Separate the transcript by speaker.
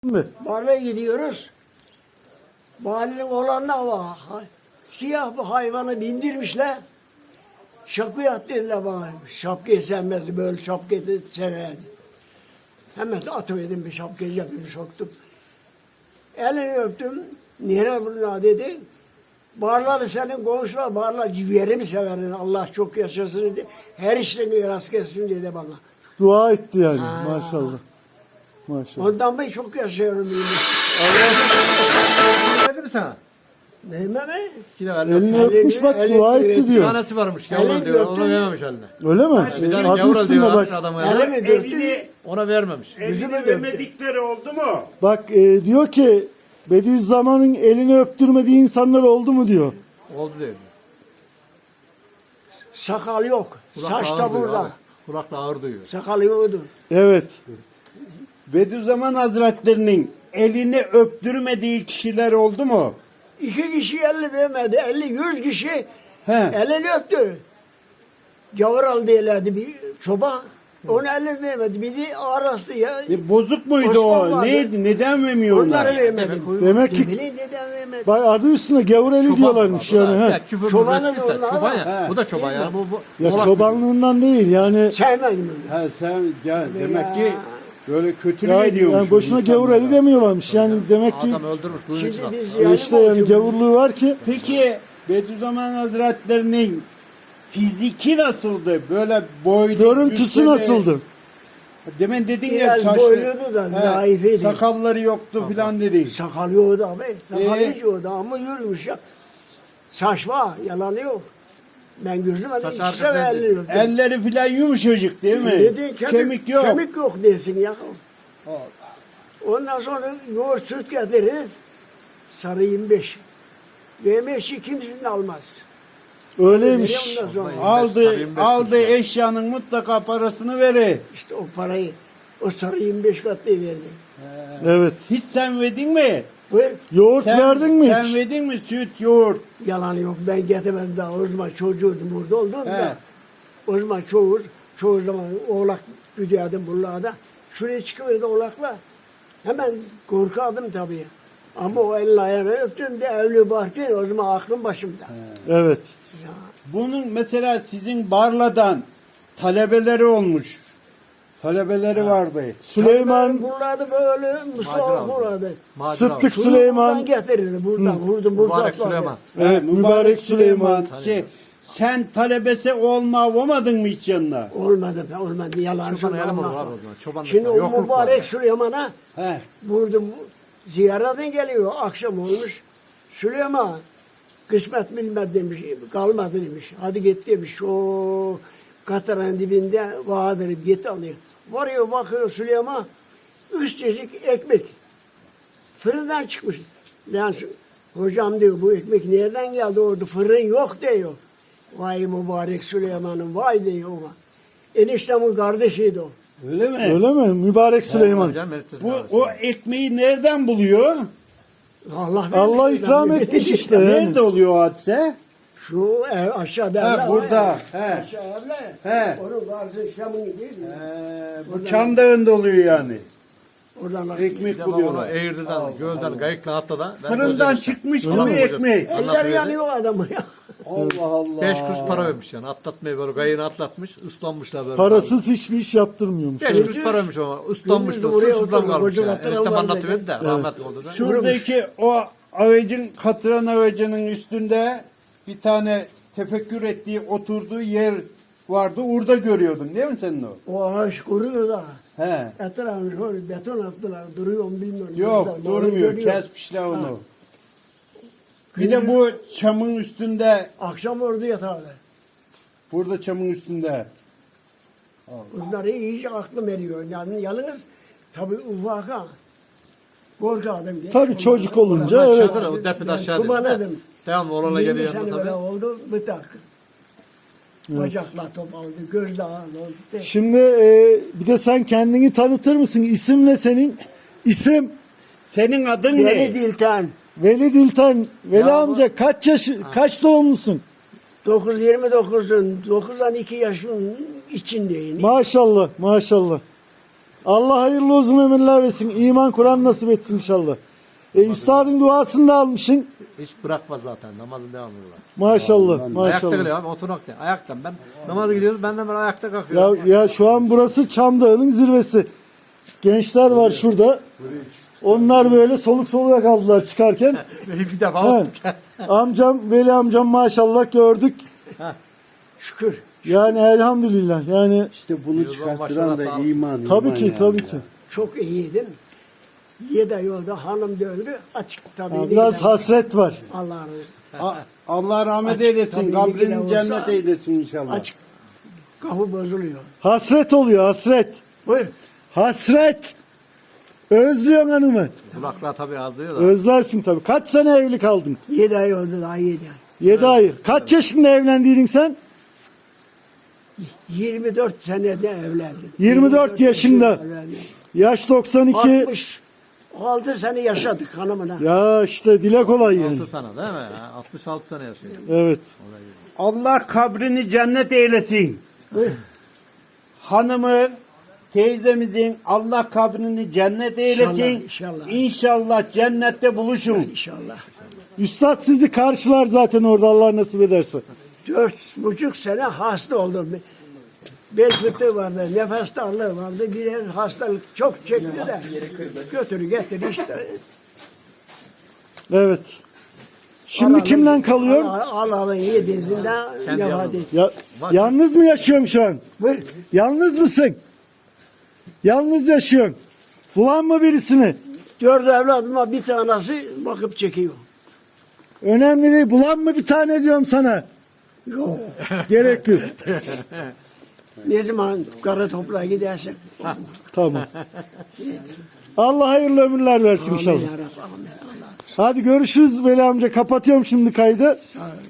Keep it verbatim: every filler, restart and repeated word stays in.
Speaker 1: mi?
Speaker 2: Barla gidiyoruz. Mahallenin olanlar var. Siyah bir hayvanı bindirmişler. Şapkayı at dediler bana. Şapkayı sevmezdi, böyle şapkayı da severdi. Hemen atıverdim bir şapkayı, cebime soktum. Elini öptüm. Nere bunlar dedi. Barları senin komşular, barlar ciğerimi severin. Allah çok yaşasın dedi. Her işlerini rast gelsin dedi bana.
Speaker 1: Dua etti yani
Speaker 2: Ha.
Speaker 1: maşallah. Maşallah.
Speaker 2: Ondan beri çok yaşıyorum.
Speaker 3: Verdi mi sana?
Speaker 2: Neyme mi?
Speaker 3: Yine verdi.
Speaker 1: Elini öpmüş bak,
Speaker 2: elini
Speaker 1: dua etti
Speaker 2: öptü.
Speaker 3: Bir
Speaker 1: diyor.
Speaker 3: tanesi varmış.
Speaker 2: Elini
Speaker 3: Gavur diyor. Onu
Speaker 2: öptü.
Speaker 3: vermemiş eline.
Speaker 1: Öyle mi?
Speaker 3: Bir tane
Speaker 1: Adı
Speaker 3: gavur
Speaker 1: üstünde
Speaker 3: diyorlarmış
Speaker 1: bak.
Speaker 3: adamı
Speaker 2: Elimi
Speaker 3: eline.
Speaker 2: döktü.
Speaker 4: Elini,
Speaker 3: Ona vermemiş.
Speaker 2: Yüzümü
Speaker 4: elini
Speaker 2: döktü.
Speaker 4: vermedikleri oldu mu?
Speaker 1: Bak e, diyor ki Bediüzzaman'ın elini öptürmediği insanlar oldu mu diyor.
Speaker 3: Oldu diyor.
Speaker 2: Sakal yok.
Speaker 3: Kulak
Speaker 2: Saç
Speaker 3: ağır
Speaker 2: da
Speaker 3: duyuyor
Speaker 2: burada.
Speaker 3: abi. Kulakla ağır duyuyor.
Speaker 2: Sakal yoktu.
Speaker 1: Evet.
Speaker 4: Bediüzzaman Hazretlerinin elini öptürmediği kişiler oldu mu?
Speaker 2: İki kişi elli vermedi. Elli, yüz kişi
Speaker 4: He.
Speaker 2: elini öptü. Gavur aldı eledi bir çoban. Onu elli vermedi. Bir de arası ya.
Speaker 4: E, bozuk muydu
Speaker 2: Osman
Speaker 4: o?
Speaker 2: vardı.
Speaker 4: Neydi? Neden vermiyorlar?
Speaker 2: Onları vermedi.
Speaker 1: Demek
Speaker 2: Ne
Speaker 1: ki
Speaker 2: bileyim neden vermedi.
Speaker 1: bak adı üstüne gavur eli diyorlarmış yani.
Speaker 3: Ya,
Speaker 1: He.
Speaker 3: küfür
Speaker 2: Çobanın
Speaker 3: mürekkepse,
Speaker 2: onlar
Speaker 3: çoban
Speaker 2: var.
Speaker 3: ya.
Speaker 4: He.
Speaker 3: Bu da çoban ya. Bu, bu,
Speaker 1: Ya
Speaker 3: oğlak
Speaker 1: çobanlığından değil yani.
Speaker 2: Sevmedim onu.
Speaker 4: Ha, sen ya, demek ki böyle kötülük
Speaker 1: Ya,
Speaker 4: ediyormuş.
Speaker 1: yani boşuna gavur eli demiyorlarmış. Yani demek ki
Speaker 3: Adam öldürmüş. Bunun için
Speaker 2: Şimdi
Speaker 3: attı.
Speaker 2: biz
Speaker 1: e,
Speaker 2: yani
Speaker 1: işte yani gavurluğu var ki.
Speaker 4: Peki Bediüzzaman Hazretlerinin fiziki nasıldı? Böyle boylu,
Speaker 1: Görüntüsü
Speaker 4: cüsseli-
Speaker 1: nasıldı?
Speaker 4: Demin dedin ya
Speaker 2: Biraz
Speaker 4: saçlı.
Speaker 2: boyluydu da, zayıfıydı.
Speaker 4: Sakalları yoktu filan dedin.
Speaker 2: Sakal yoktu abi. Sakal
Speaker 4: Ee?
Speaker 2: hiç yoktu ama yürümüş ya. Saç var, yalanı yok. Ben gözüm
Speaker 3: Saç
Speaker 2: ikisi
Speaker 3: arkasından
Speaker 2: ve elli öptüm.
Speaker 4: Elleri filan yumuşacık değil mi?
Speaker 2: Dedi, kemik,
Speaker 4: Kemik yok.
Speaker 2: Kemik yok dersin ya. Ondan sonra yoğurt süt getiririz. Sarı yirmi beş. yirmi beşi kimsenin almaz.
Speaker 1: Öyleymiş.
Speaker 2: Ondan sonra
Speaker 4: Aldı,
Speaker 3: Sarıyım beş
Speaker 4: aldı
Speaker 3: kuruş ya.
Speaker 4: eşyanın mutlaka parasını verir.
Speaker 2: işte o parayı, o sarı yirmi beş katlı verdi.
Speaker 1: Evet.
Speaker 4: Hiç sen verdin mi?
Speaker 2: Buyur.
Speaker 1: Yoğurt
Speaker 4: Sen,
Speaker 1: verdin mi
Speaker 4: Sen
Speaker 1: hiç?
Speaker 4: verdin mi süt, yoğurt?
Speaker 2: Yalan yok. Ben getirmedim daha. O zaman çocuğuydum burada oldum
Speaker 4: He.
Speaker 2: da. O zaman çoğu, çoğu zaman oğlak güdüyordum buralarda. Şuraya çıkıverdi oğlakla. Hemen korkardım tabii. Ama o elini ayağını öptüm de evli bahçe o zaman aklım başımda.
Speaker 1: Evet.
Speaker 2: Ya,
Speaker 4: Bunun mesela sizin Barla'dan talebeleri olmuş. Talebeleri vardı.
Speaker 1: Süleyman,
Speaker 2: buralarda böyle Mustafa
Speaker 3: Macera oldu.
Speaker 2: buralarda.
Speaker 3: Macera
Speaker 1: Sıddık
Speaker 2: Buradan
Speaker 1: Süleyman,
Speaker 2: getirirdi buradan. Vurdum buradan.
Speaker 3: Mübarek Süleyman.
Speaker 1: evet, mübarek Süleyman.
Speaker 4: Şey, sen talebesi olma olmadın mı hiç yanına?
Speaker 2: Olmadı be olmadı yalan
Speaker 3: Çoban
Speaker 2: söyleme,
Speaker 3: elim olur
Speaker 2: Allah
Speaker 3: abi
Speaker 2: var.
Speaker 3: o zaman. Çoban
Speaker 2: Şimdi o
Speaker 3: yokluk var.
Speaker 2: mübarek Süleyman'a
Speaker 4: He.
Speaker 2: vurdum. Ziyaretin geliyor. Akşam olmuş. Süleyman kısmet bilmez demiş. Kalmadı demiş. Hadi git demiş. O Katar'ın dibinde vardır. Git alıyor. Varıyor bakıyor Süleyman. Üç çeşit ekmek. Fırından çıkmış. Yani hocam diyor bu ekmek nereden geldi orada? Fırın yok diyor. Vay mübarek Süleyman'ın vay diyor ona. Eniştemin kardeşiydi o.
Speaker 4: Öyle mi?
Speaker 1: Öyle mi? Mübarek Süleyman.
Speaker 3: Canım, herif
Speaker 4: Bu
Speaker 3: arası.
Speaker 4: o ekmeği nereden buluyor?
Speaker 2: Allah,
Speaker 1: Allah
Speaker 2: vermiş.
Speaker 1: ikram etmiş işte. Yani.
Speaker 4: Nerede oluyor o hadise?
Speaker 2: Şu ev aşağıda.
Speaker 4: Ha,
Speaker 2: evler var
Speaker 4: burada,
Speaker 2: ya.
Speaker 4: he.
Speaker 2: Aşağı evler.
Speaker 4: He.
Speaker 2: Onun karşı İslam'ın değil mi?
Speaker 4: Ee, bu Çamdağı'nda oluyor yani.
Speaker 2: Oradan bak.
Speaker 3: Bir
Speaker 4: Ekmek
Speaker 3: de bak onu
Speaker 4: buluyorlar.
Speaker 3: Eğirdir'den, Göl'den, Gayık'la atla da. ben
Speaker 4: Fırından
Speaker 3: gözlerim-
Speaker 4: çıkmış
Speaker 3: Adam
Speaker 4: gibi
Speaker 3: hocası.
Speaker 4: ekmek.
Speaker 2: Eller
Speaker 3: Anlatıyor.
Speaker 2: yanıyor adamı ya.
Speaker 4: Allah Allah.
Speaker 3: Beş kuruş para vermiş yani. Atlatmayı böyle gayını atlatmış. Islanmışlar böyle.
Speaker 1: Parasız hiçbir iş yaptırmıyormuş.
Speaker 3: Beş kuruş para vermiş ama. Islanmış
Speaker 2: Gündüz
Speaker 3: da
Speaker 2: oraya
Speaker 3: sırsızdan
Speaker 2: oturdu,
Speaker 3: kalmış
Speaker 2: koca
Speaker 3: ya.
Speaker 2: katran
Speaker 3: Eniştem
Speaker 2: vardı.
Speaker 3: anlatıverdi de rahmetli oldu da.
Speaker 4: Şuradaki o ağacın, katran ağacının üstünde bir tane tefekkür ettiği, oturduğu yer vardı. Orada görüyordun değil mi senin o?
Speaker 2: O ağaç kuruyor da.
Speaker 4: He.
Speaker 2: Etrafını şöyle beton attılar. Duruyor mu bilmiyorum.
Speaker 4: Yok
Speaker 2: Buradan doğru
Speaker 4: durmuyor.
Speaker 2: görüyor.
Speaker 4: Kesmişler onu.
Speaker 2: Ha.
Speaker 4: Bir de bu çamın üstünde,
Speaker 2: Akşam orada yatarlar.
Speaker 4: burada çamın üstünde.
Speaker 2: Bunları iyice aklım eriyor. Yani yalnız tabii ufaka. Korkardım.
Speaker 1: Tabii çocuk olunca
Speaker 3: Aşağıda
Speaker 1: evet.
Speaker 3: da o depede aşağı
Speaker 2: Çubanadım.
Speaker 3: dedi. Devamlı oğlana
Speaker 2: yirmi
Speaker 3: geliyor
Speaker 2: sene
Speaker 3: yanına
Speaker 2: böyle
Speaker 3: tabii.
Speaker 2: oldu. Bıtak. Bacakla top aldı. Gözle ağır oldu.
Speaker 1: Şimdi e, bir de sen kendini tanıtır mısın? İsim ne senin? İsim
Speaker 4: Senin adın
Speaker 2: Deli
Speaker 4: ne?
Speaker 2: Dilten.
Speaker 1: Veli Dilten. Veli
Speaker 3: Ya bu-
Speaker 1: amca kaç yaş kaç doğumlusun?
Speaker 2: dokuz yirmi dokuzun dokuzdan iki yaşın içindeyim.
Speaker 1: Maşallah, maşallah. Allah hayırlı uzun ömürler versin. İman Kur'an nasip etsin inşallah. E, üstadın duasını da almışsın.
Speaker 3: Hiç bırakma zaten. Namazın devamı var.
Speaker 1: Maşallah.
Speaker 3: Ayakta
Speaker 1: Maşallah.
Speaker 3: geliyor abi. Oturmak değil. Ayaktan. Ben namaza gidiyoruz. Benden beri ayakta kalkıyorum.
Speaker 1: Ya, ya şu an burası Çam Dağı'nın zirvesi. Gençler var şurada. Onlar böyle soluk soluğa kaldılar çıkarken.
Speaker 3: bir defa
Speaker 1: He.
Speaker 3: olduk.
Speaker 1: Amcam, Veli amcam maşallah gördük.
Speaker 2: Şükür.
Speaker 1: Yani elhamdülillah. Yani
Speaker 4: İşte bunu
Speaker 3: Yıldan
Speaker 4: çıkarttıran da
Speaker 3: başlara sağlık.
Speaker 4: iman.
Speaker 1: tabii
Speaker 4: iman
Speaker 1: ki
Speaker 4: yani
Speaker 1: tabii
Speaker 4: ya.
Speaker 1: ki.
Speaker 2: Çok iyiydim. Yedi ay oldu. Hanım da öldü. Açık tabii.
Speaker 1: Ya
Speaker 2: ne
Speaker 1: biraz
Speaker 2: kadar-
Speaker 1: hasret var.
Speaker 2: Allah razı olsun.
Speaker 4: A- Allah rahmet
Speaker 2: Açık,
Speaker 4: eylesin.
Speaker 2: tabii, ne
Speaker 4: Kabrini
Speaker 2: kadar
Speaker 4: cennet
Speaker 2: olsa-
Speaker 4: eylesin inşallah.
Speaker 2: Açık. Kapı bozuluyor.
Speaker 1: Hasret oluyor hasret.
Speaker 2: Buyur.
Speaker 1: Hasret. Özlüyorsun hanımı.
Speaker 3: Kulaklar tabii ağzıyor da.
Speaker 1: Özlersin tabii. Kaç sene evli kaldın?
Speaker 2: Yedi ay oldu daha yedi ay.
Speaker 1: Yedi ay. Kaç yaşında evlendiydin sen?
Speaker 2: yirmi dört senede evlendim.
Speaker 1: yirmi dört yaşında.
Speaker 2: evlendim.
Speaker 1: Yaş doksan iki.
Speaker 2: altmış altı sene yaşadık hanımına.
Speaker 1: Ya işte dile kolay yani.
Speaker 3: altı sene değil mi? Ha, altmış altı sene yaşıyor.
Speaker 1: Evet.
Speaker 4: Allah kabrini cennet eylesin.
Speaker 2: Buyur.
Speaker 4: Hanımı, teyzemizin Allah kabrini cennet eylesin.
Speaker 2: İnşallah, inşallah.
Speaker 4: İnşallah cennette buluşun.
Speaker 2: İnşallah.
Speaker 1: Üstad sizi karşılar zaten orada Allah nasip ederse.
Speaker 2: Dört buçuk sene hasta oldum. Bel fıtığı vardı, nefes darlığı vardı. Bir hastalık çok çekti de götürü getir işte.
Speaker 1: Evet. Şimdi kimle kalıyorsun?
Speaker 2: Allah'ın yediğinde
Speaker 3: Kendi
Speaker 2: vefat
Speaker 3: yalnız.
Speaker 2: etti.
Speaker 1: Ya, yalnız mı yaşıyorsun şu an?
Speaker 2: Buyur.
Speaker 1: Yalnız mısın? Yalnız yaşıyorsun. Bulan mı birisini?
Speaker 2: Dört evladıma bir tanesi bakıp çekiyor.
Speaker 1: Önemli değil. Bulan mı bir tane diyorum sana.
Speaker 2: Yok.
Speaker 1: Gerek yok.
Speaker 2: Ne zaman kara toprağa gidersen.
Speaker 1: Tamam. Allah hayırlı ömürler versin
Speaker 2: Amin
Speaker 1: inşallah.
Speaker 2: ya Rabbi, amin. Allah.
Speaker 1: Hadi görüşürüz Veli amca. Kapatıyorum şimdi kaydı.
Speaker 2: Sağ ol.